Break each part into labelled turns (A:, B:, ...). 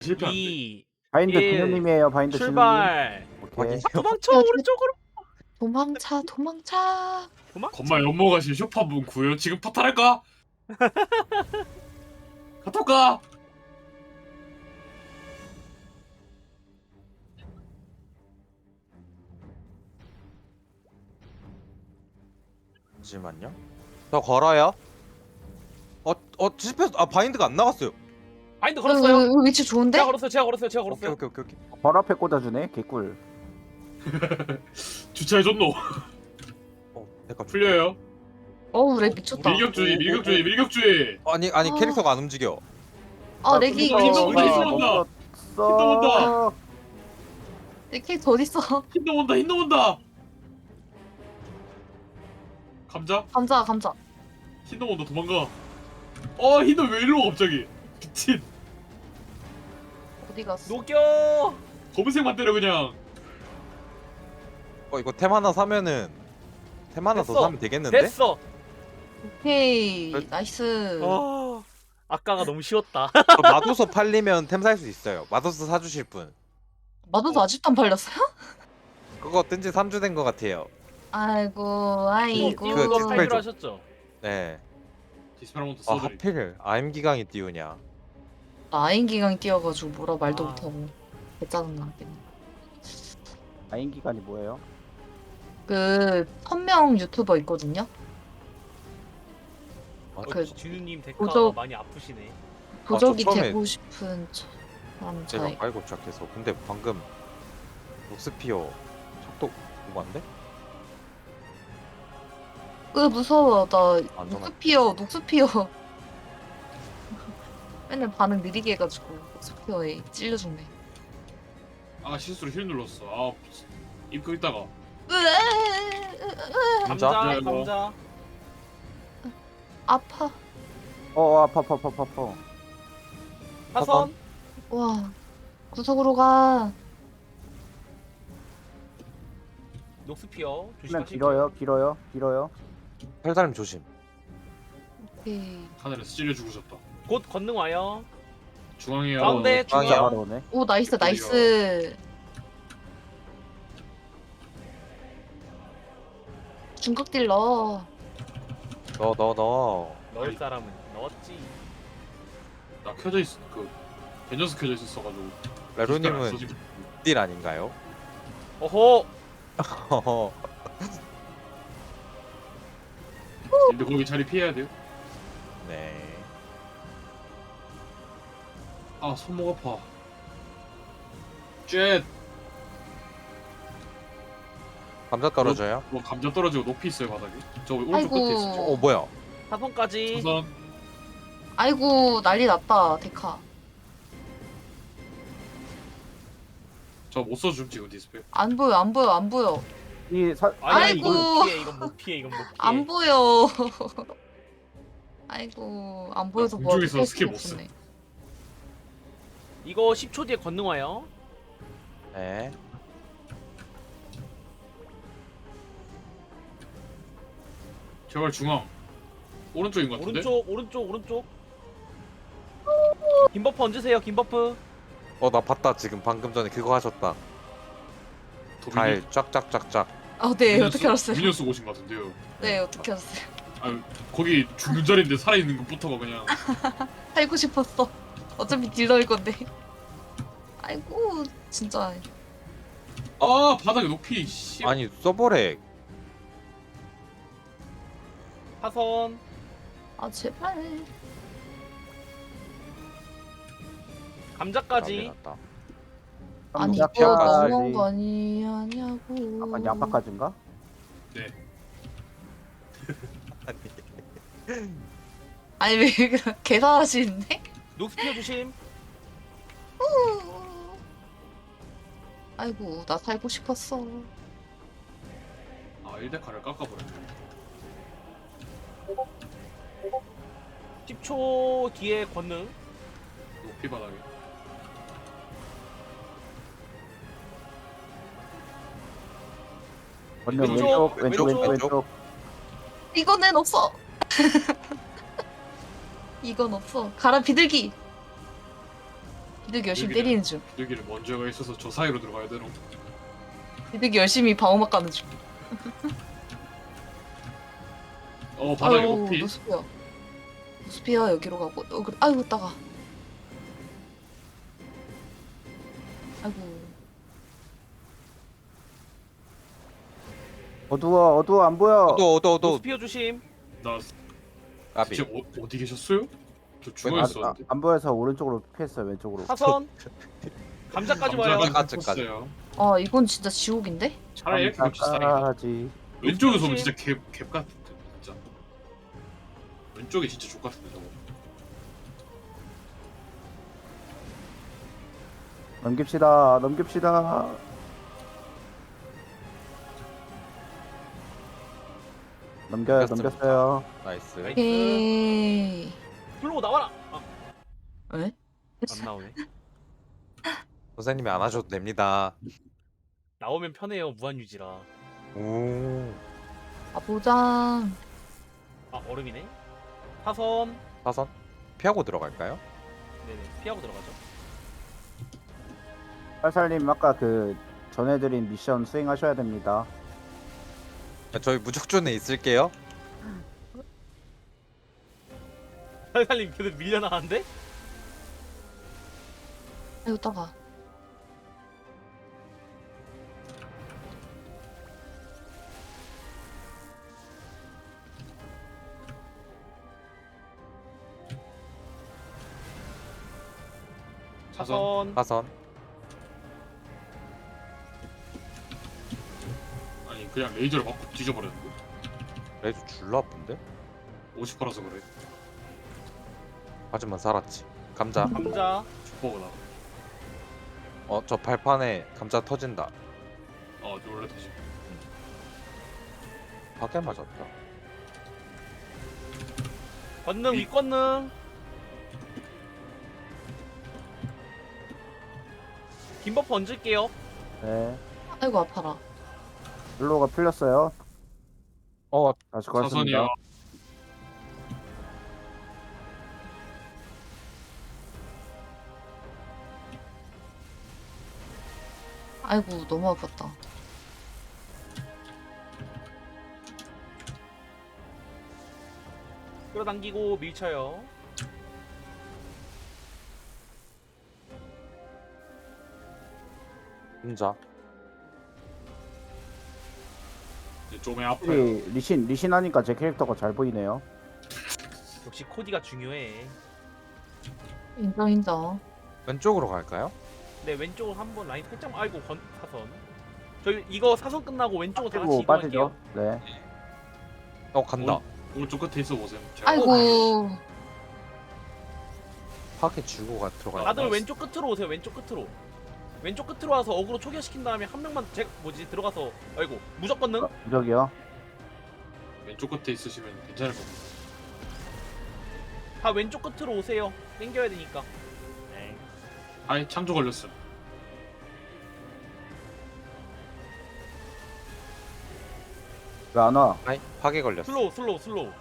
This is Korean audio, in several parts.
A: 실패한데.
B: 2,
C: 바인드
B: 1,
C: 진우님이에요. 바인드 진우님.
B: 출발.
C: 오케이.
B: 도망쳐 오른쪽으로.
D: 도망차 도망차.
A: 건말 연모가신 쇼파분 구요. 지금 파탈할까? 카톡가.
E: 잠시만요. 저 걸어요. 실패. 아 바인드가 안 나갔어요.
B: 바인드 걸었어요.
D: 여기 위치 좋은데?
B: 제가 걸었어요. 제가 걸었어요. 제가
E: 오케이
B: 걸었어요.
E: 오케이 오케이.
C: 바로 앞에 꽂아주네. 개꿀.
A: 주차해줬노.
E: 잠깐
A: 풀려요.
D: 어우 렉 미쳤다.
A: 밀격주의, 밀격주의, 밀격주의.
E: 아니
D: 아.
E: 캐릭터가 안 움직여.
D: 렉이
A: 아, 힘도 온다, 힘도
C: 어,
A: 온다.
D: 내 캐릭터 어딨어?
A: 흰놈 온다, 흰놈 온다. 감자?
D: 감자.
A: 흰놈 온다, 도망가. 흰놈 왜 일로 와 갑자기? 미친.
D: 어디 갔어?
B: 녹여.
A: 검은색만 때려 그냥.
E: 이거 템 하나 사면은 템 하나
B: 됐어.
E: 더 사면 되겠는데?
B: 됐어.
D: 오케이
E: 그-
D: 나이스.
B: 아까가 너무 쉬웠다.
E: 저 마도서 팔리면 템 살 수 있어요. 마도서 사주실 분.
D: 마도도 아직도 안 팔렸어요?
E: 그거 뜬지 3주 된 것 같아요.
D: 아이고 아이고.
E: 그
B: 이거
E: 디스플레이
B: 파이로
E: 좀-
B: 하셨죠?
E: 네.
A: 디스페라몬트
E: 아
A: 써드리.
E: 하필 AM 기강이 띄우냐.
D: 아인 기강이 뛰어가지고 뭐라 말도
B: 아.
D: 못하고 개짜증나.
C: 아인 기간이 뭐예요?
D: 그 선명 유튜버 있거든요. 그
B: 진우님 데카
D: 도적-
B: 많이 아프시네.
D: 도적이
E: 처음에-
D: 되고 싶은 사람
E: 제가
D: 차이.
E: 깔고 시작해서. 근데 방금 녹스피어 속도 오반데?
D: 무서워. 나
E: 안전하게.
D: 녹스피어. 맨날 반응 느리게 해가지고 녹스피어에 찔려 죽네.
A: 실수로 힐 눌렀어. 입고 있다가.
E: 감자?
B: 감자,
A: 네, 뭐.
B: 감자.
D: 아파.
C: 아파.
B: 사선.
D: 와 구석으로 가.
B: 녹스피어
C: 그냥
B: 조심하세요.
C: 길어요.
E: 팔다림 조심.
D: 오케이.
A: 하늘에서 찔려 죽으셨다.
B: 곧 건능 와요.
A: 중앙에
B: 가운데
E: 중앙이요.
B: 중앙.
C: 바로 오네.
D: 오 나이스 나이스. 중국 딜러.
E: 너.
B: 넣을 사람은 넣었지.
A: 나 켜져 있어. 벤져스 켜져 있었어가지고.
E: 레로님은 딜 아닌가요?
B: 어허.
A: 근데 거기 자리 피해야 돼요.
E: 네.
A: 손목 아파. 쉣.
E: 감자 떨어져요?
A: 감자 떨어지고 높이 있어요 바닥에. 저 오른쪽
D: 아이고.
A: 끝에 있어.
E: 뭐야?
B: 사선까지.
A: 우선
D: 아이고 난리 났다 데카.
A: 저 못 써줌 지금 디스플레이.
D: 안 보여.
B: 아니,
D: 아이고.
B: 이건 못 피해.
D: 안 보여. 아이고 안 보여서 뭐
A: 공중에서
D: 어떻게
A: 스킬
D: 할
A: 못
D: 수가 없네.
B: 이거 10초 뒤에 건능 와요.
E: 네.
A: 제발 중앙. 오른쪽인 것 같은데.
B: 오른쪽. 긴 버프 얹으세요. 긴 버프.
E: 나 봤다 지금 방금 전에 그거 하셨다. 달 쫙쫙쫙쫙.
D: 네 어떻게 알았어요?
A: 미니언 쓰고 오신 것 같은데요.
D: 네 어떻게 알았어요?
A: 거기 죽는 자리인데 살아있는 것부터가 그냥.
D: 살고 싶었어. 어차피 딜러일 건데. 아이고 진짜.
A: 바닥에 높이. 씨.
E: 아니 서버렉.
B: 사선.
D: 제발.
B: 감자까지.
E: 났다.
D: 아니
C: 감자
D: 이거
C: 피하까지.
D: 너무한 거 아니냐고.
C: 약간 양파까지인가?
D: 아니 왜 계산하시는데?
B: 녹스피어 조심.
D: 아이고 나 살고 싶었어.
A: 1대카를 깎아버렸네.
B: 10초 뒤에 건능.
A: 높이 바닥에.
C: 왼쪽.
B: 왼쪽.
D: 이거는 없어. 이건 없어. 가라 비둘기. 비둘기 열심히
A: 비둘기는-
D: 때리는 중.
A: 여기를 먼저가 있어서 저 사이로 들어가야 되노.
D: 비둘기 열심히 방어막 가는 중.
A: 바닥에
D: 아유,
A: 높이.
D: 노스피어. 노스피어 여기로 가고. 그래. 아이고 따가. 아이고.
C: 어두워 안 보여.
E: 어도
B: 노스피어 조심.
A: 나
E: 까비.
A: 지금 어디 계셨어요? 저 죽어
C: 아,
A: 있었는데.
C: 안 보여서 오른쪽으로 피했어요. 왼쪽으로.
B: 사선. 감자까지 와요.
E: 감자까지.
A: 였어요.
D: 아 이건 진짜 지옥인데?
A: 차라리 이렇게 역시 다행이다.
C: 깜짝하지.
A: 왼쪽에서 보면
B: 조심.
A: 진짜 갭 같은데 진짜. 왼쪽이 진짜 족 같은데 저거.
C: 넘깁시다. 넘겼어요.
E: 나이스.
B: 나이스.
D: 에이.
B: 플로우 나와라.
D: 왜?
B: 안 나오네.
E: 선생님이 안 하셔도 됩니다.
B: 나오면 편해요. 무한 유지라.
E: 오.
D: 아 보장.
B: 아 얼음이네. 사선.
E: 사선 피하고 들어갈까요?
B: 네네. 피하고 들어가죠.
C: 팔살님 아까 그 전해드린 미션 수행하셔야 됩니다.
E: 저희 무적존에 있을게요.
B: 살살님 계속 밀려나가는데?
D: 아이고 따가.
B: 사선.
E: 사선.
A: 아니 그냥 레이저를 맞고 뒤져버렸는데.
E: 레이저 줄라 아픈데?
A: 50%라서 그래.
E: 하지만 살았지. 감자.
B: 감자.
A: 죽보거나.
E: 저 발판에 감자 터진다.
A: 놀래다 지금.
E: 파괴 맞았다.
B: 권능 윗권능. 긴 버프 얹을게요.
C: 네.
D: 아이고 아파라.
C: 블로가 풀렸어요. 다시
A: 사선이요.
C: 걸었습니다.
D: 아이고 너무 아팠다.
B: 끌어당기고 밀쳐요.
E: 감자.
A: 좀에 아파요.
C: 확실히 리신 하니까 제 캐릭터가 잘 보이네요.
B: 역시 코디가 중요해.
D: 인정.
E: 왼쪽으로 갈까요?
B: 네 왼쪽으로 한번 라인 살짝. 아이고 사선. 저희 이거 사선 끝나고 왼쪽으로 다 같이
C: 그리고
B: 이동할게요.
C: 빠지죠. 네.
E: 간다.
A: 오른쪽 끝에 있어 보세요. 제가
D: 아이고.
E: 파괴 주고 들어가야
B: 다들
A: 아,
B: 왼쪽 끝으로 오세요. 왼쪽 끝으로. 왼쪽 끝으로 와서 어그로 초기화시킨 다음에 한 명만 들어가서. 아이고 무조건 능.
C: 무적이요.
A: 왼쪽 끝에 있으시면 괜찮을 겁니다.
B: 다 왼쪽 끝으로 오세요. 땡겨야 되니까. 네.
A: 아이 창조 걸렸어.
C: 왜 안 와?
E: 아이 파괴 걸렸어.
B: 슬로우.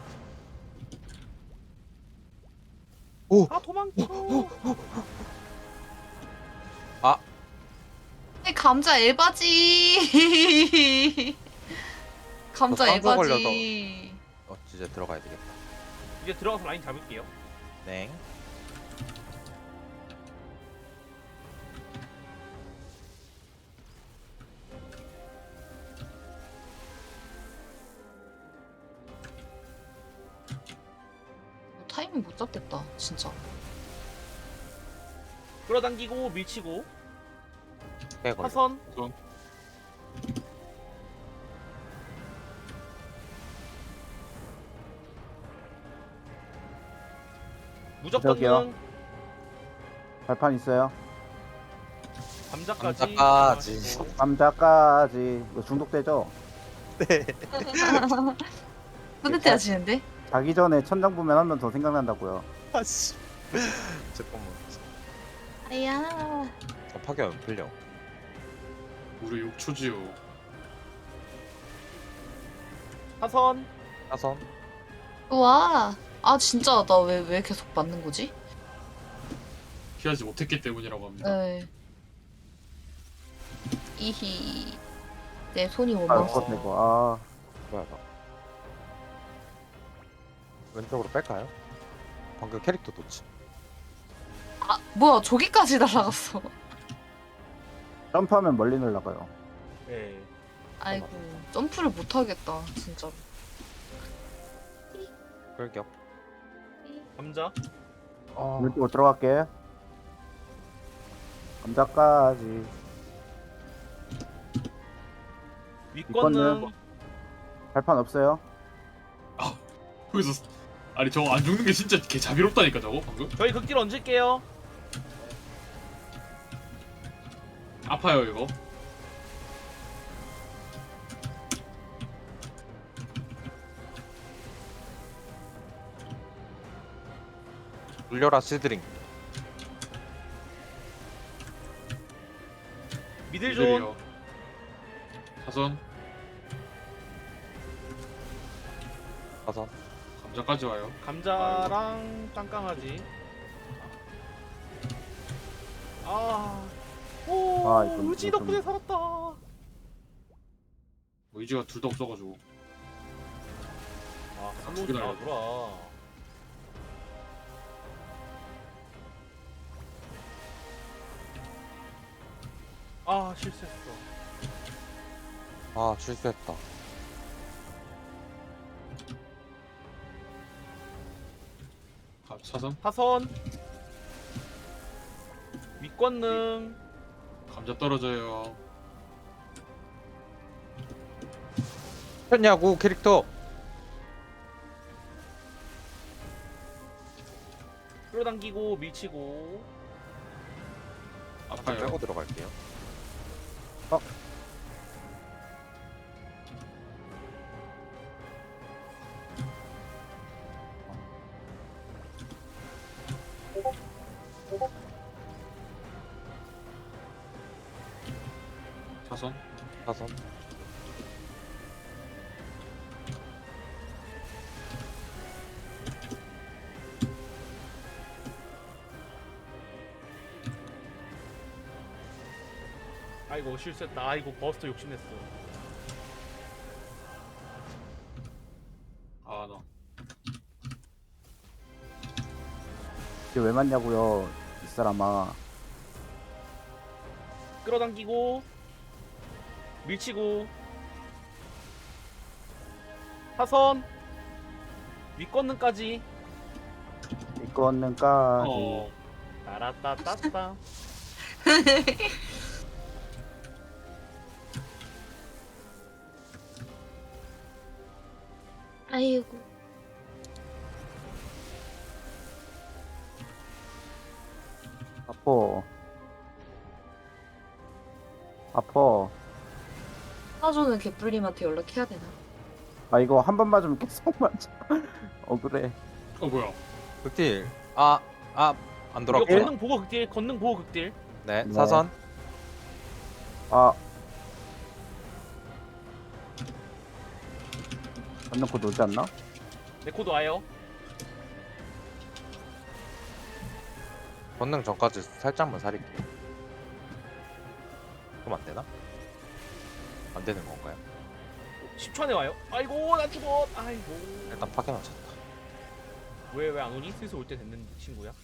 E: 오!
B: 아 도망쳐.
D: 이 감자 에바지. 감자
E: 저 쌍꺼
D: 에바지.
E: 이제 들어가야 되겠다.
B: 이제 들어가서 라인 잡을게요.
E: 네.
D: 타이밍 못 잡겠다 진짜.
B: 끌어당기고 밀치고.
E: 파괴 걸렸어.
B: 사선. 무조건
C: 저기요.
B: 능.
C: 발판 있어요.
B: 감자까지.
E: 감자까지.
C: 감자까지. 이거 중독되죠?
D: 뿌듯해 하시는데?
C: 자기 전에 천장 보면 한 번 더 생각난다고요.
E: 아씨. 잠깐만.
D: 아야.
E: 파괴 안 풀려.
A: 우리 6초지요.
B: 사선.
E: 사선.
D: 와. 아 진짜 나 왜 계속 맞는 거지?
A: 피하지 못했기 때문이라고 합니다.
D: 네. 이히 내 손이 못
C: 아
D: 멈췄어.
C: 그것 이거.
E: 뭐야 나. 왼쪽으로 뺄까요? 방금 캐릭터 놓치.
D: 아 뭐야 저기까지 날아갔어.
C: 점프하면 멀리 날아가요.
B: 예.
D: 아이고 점프를 못 하겠다 진짜로.
E: 끌격.
B: 감자.
C: 왼쪽으로 들어갈게. 감자까지.
B: 윗건능.
C: 발판 없어요?
A: 거기서 아니 저거 안 죽는 게 진짜 개 자비롭다니까 저거 방금.
B: 저희 극딜 얹을게요.
A: 아파요 이거.
E: 물려라 시드링.
B: 미들존.
A: 이들이요. 사선
E: 가서.
A: 감자까지 와요.
B: 감자랑 짱강아지. 아. 오.
C: 아, 이건
B: 의지
C: 좀-
B: 덕분에 살았다.
A: 뭐 의지가 둘 다 없어가지고.
B: 아,
A: 저기 날려.
B: 돌아. 아, 실수했어.
E: 아 실수했다.
A: 사선
B: 타선. 윗권능.
A: 감자 떨어져요.
E: 했냐고 캐릭터.
B: 끌어당기고 밀치고.
E: 잠깐
A: 아파요.
E: 빼고 들어갈게요.
A: 사선
E: 사선.
B: 아이고 실수했다. 아이고 버스터 욕심냈어.
A: 아 나.
C: 이게 왜 맞냐고요 이 사람아.
B: 끌어당기고 밀치고. 타선. 윗권능까지.
C: 이거는까지.
A: 어.
B: 따라따따따.
D: 아이고.
C: 아퍼. 아퍼.
D: 사조는 개뿔님한테 연락해야 되나?
C: 아 이거 한 번 맞으면 계속 맞아. 억울해.
A: 어 뭐야?
E: 극딜. 안
B: 이거
E: 돌았고.
B: 건능 보고 극딜. 건능 보고 극딜.
E: 네
C: 네.
E: 사선.
C: 아. 건너고 놀지 않나?
B: 네코도 와요.
E: 권능 전까지 살짝만 살릴게요. 그럼 안 되나? 안 되는 건가요?
B: 10초 안에 와요. 아이고 나 죽어. 아이고.
E: 일단 파괴 맞췄다.
B: 왜 안 오니? 슬슬 올 때 됐는 친구야.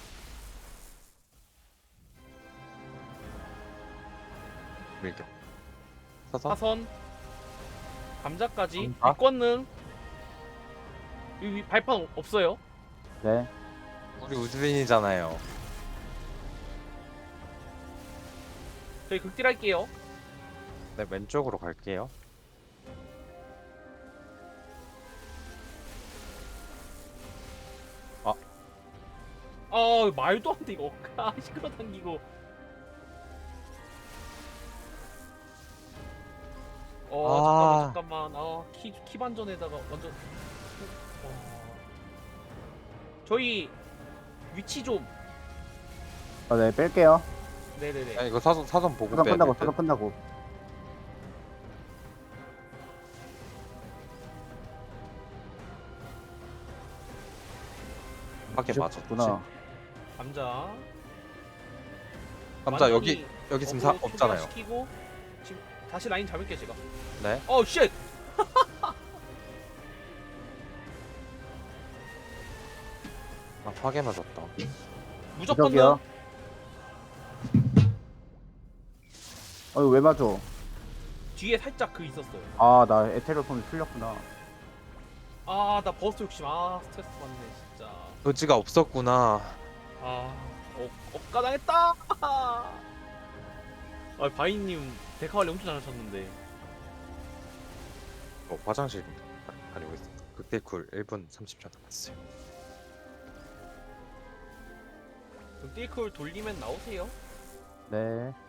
E: 밀격. 사선.
B: 사선. 감자까지.
E: 감자?
B: 윗권능. 여기 발판 없어요.
C: 네.
E: 우리 우즈빈이잖아요.
B: 저희 극딜 할게요.
E: 네 왼쪽으로 갈게요.
B: 아 말도 안 돼 이거. 아 끌어당기고.
E: 아.
B: 잠깐만. 키 반전에다가 완전. 저희 위치 좀.
C: 네 뺄게요.
B: 네네네.
E: 아 이거 사선 보고
C: 사선
E: 빼야
C: 끝나고
E: 돼.
C: 사선 끝나고.
E: 파괴 맞았구나.
C: 구나.
B: 감자.
E: 남자
B: 완전히
E: 여기 지금
B: 어그로
E: 없잖아요.
B: 초기화시키고 지금 다시 라인 잡을게요 제가.
E: 네.
B: 쉣!
E: 아 파괴 맞았다.
B: 무조건
C: 저기요.
B: 넣어.
C: 어이 왜 맞아?
B: 뒤에 살짝 그 있었어요.
C: 아 나 에테리얼 폰이 풀렸구나.
B: 아 나 버스트 욕심. 아 스트레스 받네 진짜.
E: 의지가 없었구나.
B: 억가당했다. 아 바이님 데카 관리 엄청 잘하셨는데.
E: 화장실 다니고 있어. 극딜쿨 1분 30초 남았어요.
B: 그럼 딜쿨 돌리면 나오세요.
C: 네.